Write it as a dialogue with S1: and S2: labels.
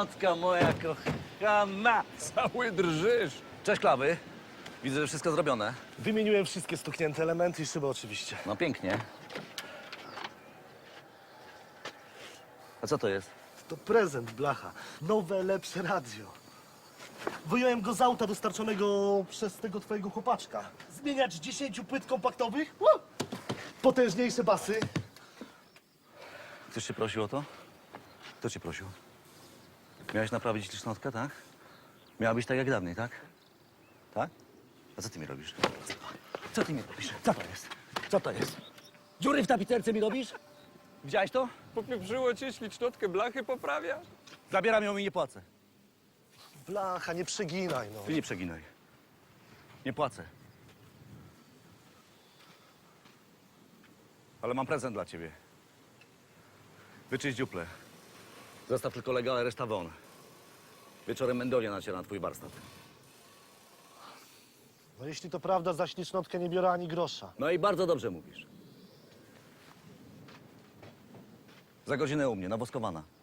S1: ślicznotka moja kochana.
S2: Cały drżysz.
S1: Cześć, Klawy. Widzę, że wszystko zrobione.
S3: Wymieniłem wszystkie stuknięte elementy i szyby oczywiście.
S1: No pięknie. A co to jest?
S3: To prezent, blacha. Nowe, lepsze radio. Wyjąłem go z auta dostarczonego przez tego twojego chłopaczka. Zmieniać 10 płyt kompaktowych. Potężniejsze basy.
S1: Ktoś cię prosił o to? Kto cię prosił? Miałeś naprawić ślicznotkę, tak? Miała być tak jak dawniej, tak? Tak? A co ty mi robisz? Co ty mi robisz? Co to jest? Co to jest? Dziury w tapicerce mi robisz? Widziałeś to?
S2: Popieprzyło cię, ślicznotkę blachy poprawia?
S1: Zabieram ją i nie płacę.
S3: Blacha, nie przeginaj, no.
S1: Ty nie przeginaj. Nie płacę. Ale mam prezent dla ciebie. Wyczyść dziuplę. Zostaw tylko legale, reszta won. Wieczorem Mendolia naciera na twój warsztat.
S3: No jeśli to prawda, za ślicznotkę nie biorę ani grosza.
S1: No i bardzo dobrze mówisz. Za godzinę u mnie, na Woskowana.